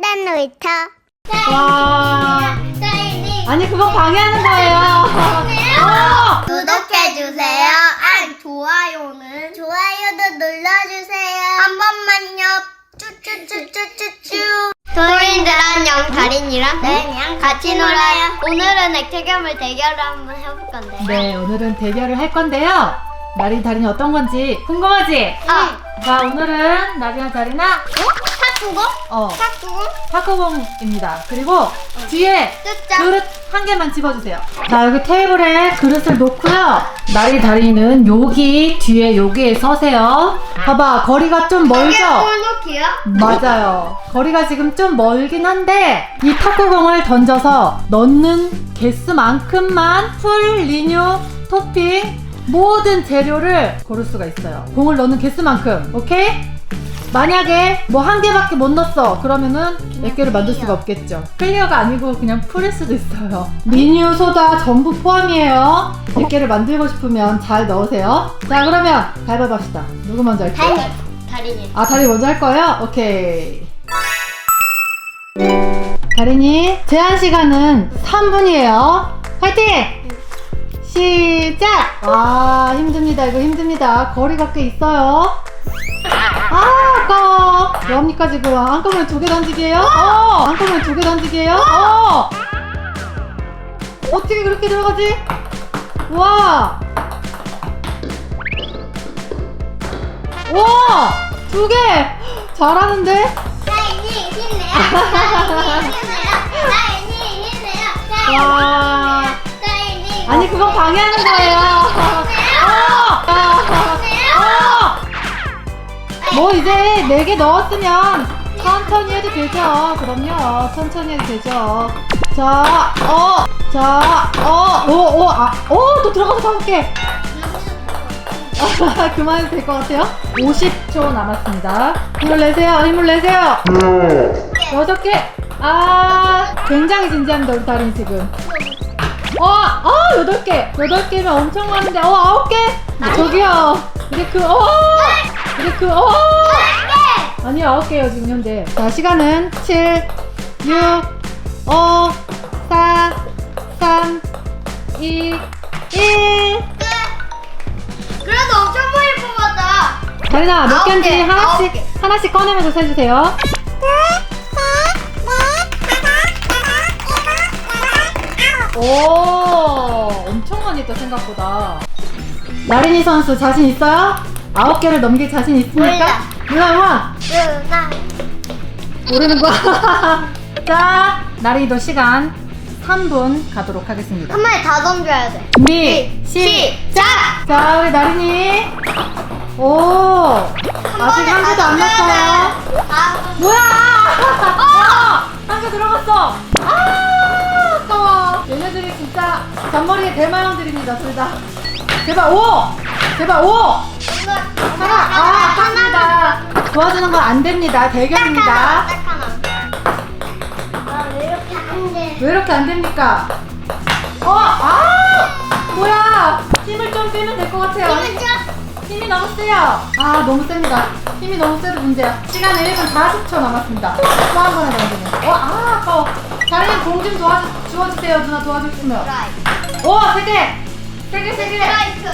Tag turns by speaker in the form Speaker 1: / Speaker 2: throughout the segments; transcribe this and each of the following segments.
Speaker 1: 딴딴 놀이터.
Speaker 2: 와. 아니 그거 방해하는 거예요.
Speaker 1: 구독해주세요. 좋아요도 눌러주세요. 한 번만요. 쭈쭈쭈쭈쭈쭈. 도인들 안녕. 다린이랑 같이 놀아요. 오늘은 액체괴물 대결을 한번 해볼 건데요.
Speaker 2: 네, 오늘은 대결을 할 건데요. 나린, 다린이 어떤 건지 궁금하지? 자, 오늘은 나린아, 다린아.
Speaker 1: 탁구공?
Speaker 2: 탁구공입니다. 그리고 뒤에
Speaker 1: 뜯자.
Speaker 2: 그릇 한 개만 집어주세요. 자, 여기 테이블에 그릇을 놓고요. 나린, 다린이는 여기 뒤에 여기에 서세요. 봐봐, 거리가 좀 멀죠?
Speaker 1: 골놓기요?
Speaker 2: 맞아요. 거리가 지금 좀 멀긴 한데 이 탁구공을 던져서 넣는 개수만큼만 풀, 리뉴, 토핑 모든 재료를 고를 수가 있어요. 공을 넣는 개수만큼. 오케이? 만약에 뭐 한 개밖에 못 넣었어 그러면은 몇 개를 만들 수가 없겠죠. 클리어가 아니고 그냥 풀일 수도 있어요. 리뉴, 소다 전부 포함이에요. 몇 개를 만들고 싶으면 잘 넣으세요. 자, 그러면 가위바위보 합시다. 누구 먼저 할까요?
Speaker 1: 다린이.
Speaker 2: 아, 다린이 먼저 할 거예요? 오케이. 다린이 제한 시간은 3분이에요. 화이팅! 시작! 아, 힘듭니다. 이거 힘듭니다. 거리가 꽤 있어요. 아, 아까워. 뭐합니까 지금? 한꺼번에 2개 던지기예요? 한꺼번에 2개 던지기예요? 어떻게 그렇게 들어가지? 와! 와! 2개! 잘하는데?
Speaker 1: 다린이 힘내요.
Speaker 2: 와.
Speaker 1: 다린이.
Speaker 2: 아니, 그거 방해하는 거예요. 뭐 이제 4개 넣었으면 천천히 해도 되죠. 그럼요. 천천히 해도 되죠. 자, 또 들어가서 5개. 그만해도 될 것 같아요. 50초 남았습니다. 힘을 내세요. 힘을 내세요. 6개. 아, 굉장히 진지합니다. 우리 다린 지금. 8개. 8개면 엄청 많은데. 9개. 저기요. 아니, 9개요, 지금 현재. 자, 시간은 7, 6, 5, 4, 3, 2, 1.
Speaker 1: 그래도 엄청 많이 뽑았다.
Speaker 2: 다린아, 몇
Speaker 1: 9개,
Speaker 2: 개인지
Speaker 1: 9개.
Speaker 2: 하나씩 꺼내면서 세주세요. 오, 엄청 많이 했다, 생각보다. 나린이 선수 자신 있어요? 9개를 넘길 자신 있습니까? 누나. 모르는 거야. 자, 나린이도 시간 3분 가도록 하겠습니다.
Speaker 1: 한 마리 다 던져야 돼.
Speaker 2: 준비, 시작! 자, 우리 나린이. 아직 한 개도 안 났어요. 뭐야! 한 개 들어갔어. 아까워. 얘네들이 진짜 잔머리에 대마형들입니다, 둘 다. 제발 5! 제발 5! 하나! 아깝습니다. 도와주는 건 안 됩니다. 대결입니다.
Speaker 1: 딱 하나. 왜 이렇게 안 돼?
Speaker 2: 왜 이렇게 안 됩니까? 뭐야! 힘을 좀 빼면 될 것 같아요. 힘이 너무 세요. 너무 셉니다. 힘이 너무 세도 문제야. 시간 1분 40초 남았습니다. 또 한 번에 던지면. 아까워. 다른 공 좀 주워주세요. 누나 도와주시면. 3개! 3개!
Speaker 1: 스트라이크.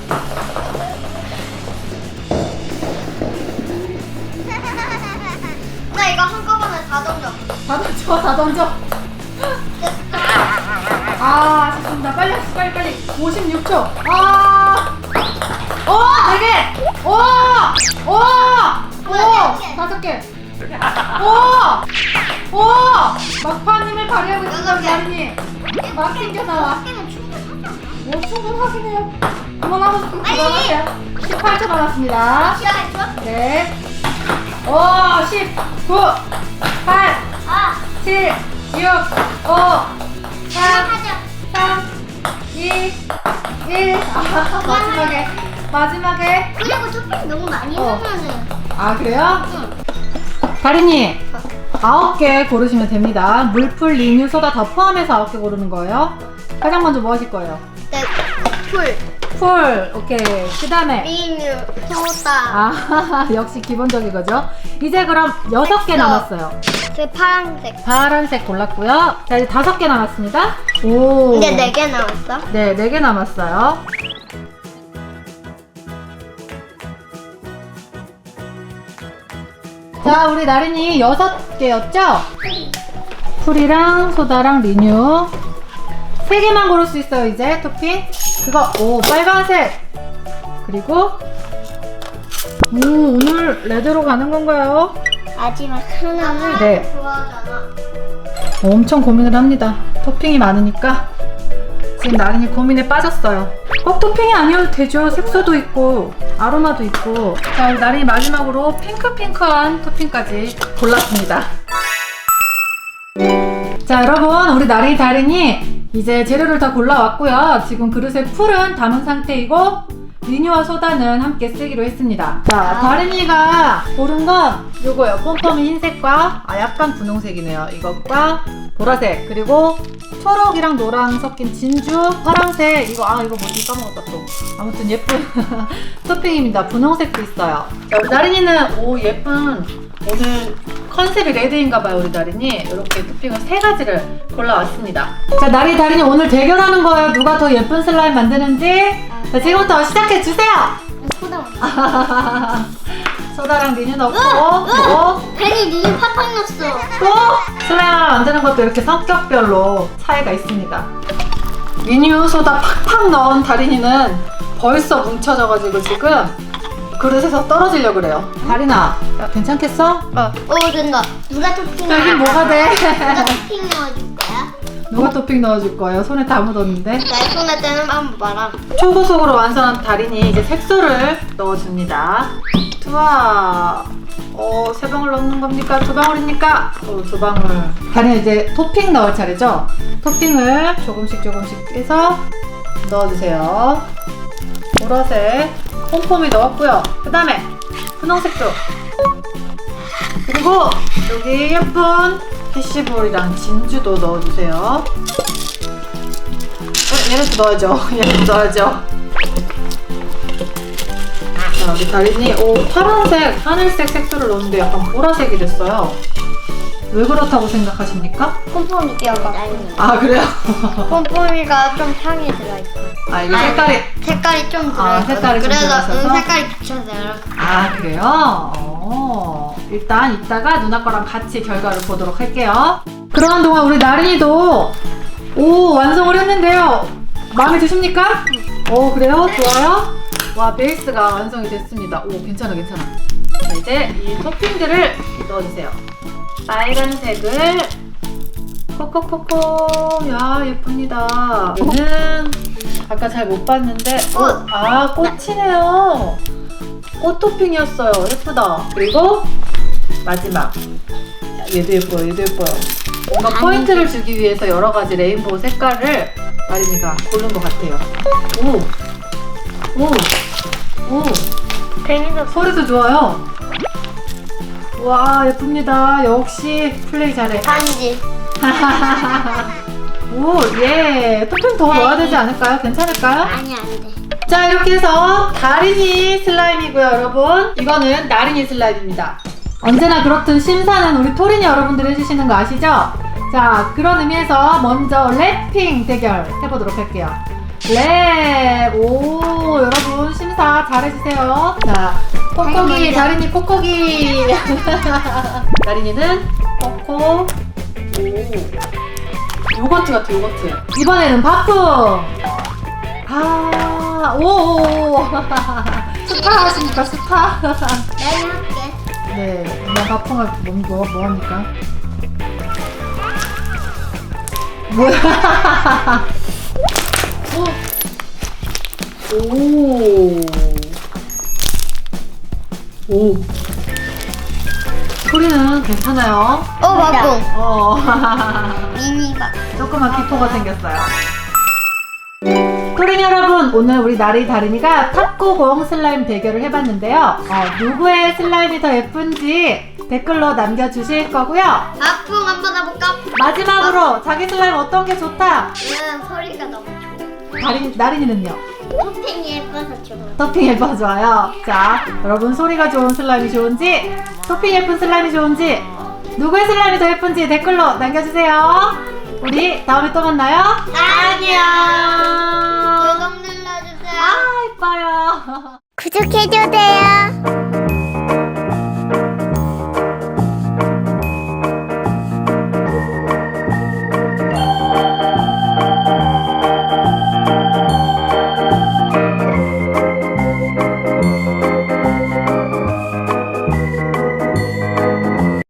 Speaker 1: 나 이거 한꺼번에 다 던져.
Speaker 2: 다 던져. 아쉽습니다. 빨리. 56초. 4개! 5개! 막판 힘을 발휘하고 있습니다, 나린이. 막 튕겨 나와. 충분하긴 해요. 그만하고 싶으면 그만하세요. 18초 남았습니다. 네. 10, 9, 8, 7, 6, 5, 4, 3, 2, 1. 마지막에.
Speaker 1: 그리고 토핑 너무 많이 넣으면은.
Speaker 2: 그래요? 다린이 9개 고르시면 됩니다. 물풀, 리뉴, 소다 다 포함해서 9개 고르는 거예요. 가장 먼저 뭐 하실 거예요?
Speaker 1: 네, 풀.
Speaker 2: 풀. 오케이. 그 다음에.
Speaker 1: 리뉴, 소다.
Speaker 2: 아, 역시 기본적인 거죠. 이제 그럼 6개 남았어요.
Speaker 1: 그 파란색.
Speaker 2: 파란색 골랐고요. 자, 이제 5개 남았습니다. 오.
Speaker 1: 이제 4개 남았어.
Speaker 2: 네, 4개 남았어요. 자, 우리 나린이 6개였죠? 풀이랑 소다랑 리뉴 3개만 고를 수 있어요. 이제 토핑 그거. 오, 빨간색. 그리고 오늘 레드로 가는 건가요?
Speaker 1: 마지막 하나는
Speaker 2: 네.
Speaker 1: 좋아하잖아.
Speaker 2: 엄청 고민을 합니다. 토핑이 많으니까 지금 나린이 고민에 빠졌어요. 꼭 토핑이 아니어도 되죠. 색소도 있고 아로마도 있고. 자, 우리 나린이 마지막으로 핑크한 토핑까지 골랐습니다. 자, 여러분, 우리 나린이 다린이 이제 재료를 다 골라왔고요. 지금 그릇에 풀은 담은 상태이고 리뉴와 소다는 함께 쓰기로 했습니다. 자, 다린이가 고른 건 요거예요. pompom이 흰색과 약간 분홍색이네요. 이것과 보라색, 그리고 초록이랑 노랑 섞인 진주, 파랑색. 이거 뭐지? 까먹었다 또. 아무튼 예쁜 토핑입니다. 분홍색도 있어요. 자, 우리 나린이는 예쁜, 오늘 컨셉이 레드인가봐요. 우리 나린이 이렇게 토핑을 3가지를 골라왔습니다. 자, 다린이 오늘 대결하는 거예요. 누가 더 예쁜 슬라임 만드는지. 자, 지금부터 시작해주세요.
Speaker 1: 소다.
Speaker 2: 소다랑 리뉴 넣고
Speaker 1: 벤이 리뉴 팍팍 넣었어.
Speaker 2: 또 슬라임 만드는 것도 이렇게 성격별로 차이가 있습니다. 리뉴 소다 팍팍 넣은 다린이는 벌써 뭉쳐져가지고 지금 그릇에서 떨어지려고 그래요. 다린아, 야, 괜찮겠어?
Speaker 1: 된다. 누가 토핑?
Speaker 2: 여긴 뭐가 돼?
Speaker 1: 누가 토핑 넣어줄 거야?
Speaker 2: 누가 토핑 넣어줄 거예요? 손에 다 묻었는데.
Speaker 1: 내 손에 떼는 한번 봐라.
Speaker 2: 초고속으로 완성한 다린이 이제 색소를 넣어줍니다. 우와, 3방울 넣는 겁니까? 2방울입니까? 2방울. 다린이 이제 토핑 넣을 차례죠? 토핑을 조금씩 해서 넣어주세요. 보라색 폼폼이 넣었고요. 그 다음에 분홍색도. 그리고 여기 예쁜 캐시볼이랑 진주도 넣어주세요. 얘네도 넣어야죠. 얘네도 넣어야죠. 자, 우리 다린이 파란색, 하늘색 색소를 넣었는데 약간 보라색이 됐어요. 왜 그렇다고 생각하십니까?
Speaker 1: pompom이 끼어가.
Speaker 2: 아, 그래요?
Speaker 1: pompom이가 좀 향이 들어있어.
Speaker 2: 아, 이거
Speaker 1: 색깔이 좀
Speaker 2: 아,
Speaker 1: 들어있어.
Speaker 2: 색깔이 좀
Speaker 1: 그래서
Speaker 2: 들어있어서?
Speaker 1: 색깔이 비춰서 이렇게.
Speaker 2: 아, 그래요? 일단 이따가 누나 거랑 같이 결과를 보도록 할게요. 그러는 동안 우리 나린이도 완성을 했는데요. 마음에 드십니까? 그래요? 좋아요? 와, 베이스가 완성이 됐습니다. 괜찮아. 자, 이제 이 토핑들을 넣어주세요. 빨간색을 콕콕콕콕. 야, 예쁩니다. 얘는 아까 잘 못 봤는데 꽃이네요. 꽃 토핑이었어요. 예쁘다. 그리고 마지막, 얘도 예뻐요. 뭔가 포인트를 주기 위해서 여러 가지 레인보우 색깔을 나린이가 고른 것 같아요.
Speaker 1: 벤이도
Speaker 2: 소리도 좋아요. 와, 예쁩니다. 역시 플레이 잘해.
Speaker 1: 반지.
Speaker 2: 예. 토핑 더 넣어야 되지 않을까요? 괜찮을까요?
Speaker 1: 아니, 안 돼.
Speaker 2: 자, 이렇게 해서 다린이 슬라임이고요, 여러분. 이거는 나린이 슬라임입니다. 언제나 그렇듯 심사는 우리 토린이 여러분들이 해주시는 거 아시죠? 자, 그런 의미에서 먼저 랩핑 대결 해보도록 할게요. 랩! 여러분 심사 잘해주세요. 자, 콕콕이, 다린이 콕콕이. 다린이는 코코. 요거트 같아, 요거트. 이번에는 바풍. 스타 하십니까, 스타?
Speaker 1: 내가 할게.
Speaker 2: 네, 나 바풍할 뭐 합니까? 뭐야? 소리는 괜찮아요.
Speaker 1: 바풍. 미니 바풍.
Speaker 2: 조그만 기포가 생겼어요. 토린 여러분, 오늘 우리 나리 다린이가 탁구공 슬라임 대결을 해봤는데요. 누구의 슬라임이 더 예쁜지 댓글로 남겨주실 거고요.
Speaker 1: 바풍 한번 해볼까?
Speaker 2: 마지막으로 자기 슬라임 어떤 게 좋다?
Speaker 1: 얘는 소리가 너무 좋아.
Speaker 2: 나린이는요?
Speaker 1: 토핑이 예뻐서 좋아.
Speaker 2: 토핑 예뻐서 좋아요. 자, 여러분 소리가 좋은 슬라임이 좋은지, 토핑 예쁜 슬라임이 좋은지, 누구의 슬라임이 더 예쁜지 댓글로 남겨주세요. 우리 다음에 또 만나요.
Speaker 1: 안녕.
Speaker 2: 안녕.
Speaker 1: 구독 눌러주세요.
Speaker 2: 아, 예뻐요.
Speaker 1: 구독해주세요.